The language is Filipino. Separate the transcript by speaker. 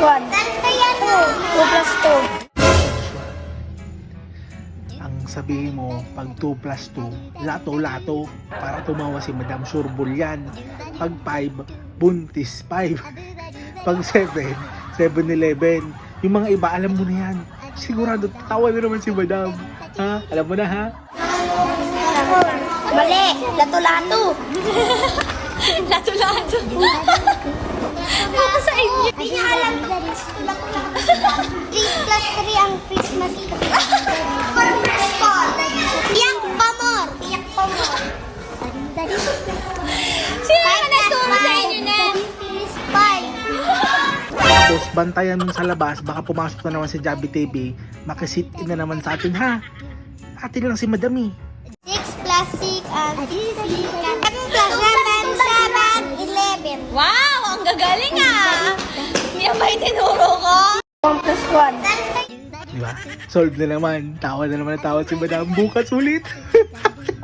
Speaker 1: 1. 2 plus 2.
Speaker 2: Ang sabihin mo, pag 2 plus 2, lato-lato, para tumawa si Madam Surbol yan. Pag 5, buntis 5. Pag 7, 7-Eleven. Yung mga iba, alam mo na yan. Sigurado, tatawa na naman si Madam. Ha? Alam mo na, ha?
Speaker 1: Mali! Lato-lato!
Speaker 3: Lato-lato. Ako sa inyo.
Speaker 1: Hindi niya alam. 3 plus 3 ang Christmas tree. Tiyak pa more! Tiyak pa more!
Speaker 3: Sino naman nagturo sa inyo na?
Speaker 1: 5.
Speaker 2: Tapos, bantayan mo sa labas, baka pumasok na naman si Javi TV, makisit in na naman sa atin, ha? Atin lang si Madam, eh.
Speaker 1: 6 plus 6 and 7 plus 7, 11.
Speaker 3: Wow, ang gagaling ah. Yan ba yung tinuro ko?
Speaker 1: 1 plus 1.
Speaker 2: Di ba? Solve na naman. Tawa na naman ang tawa si Madam. Bukas ulit.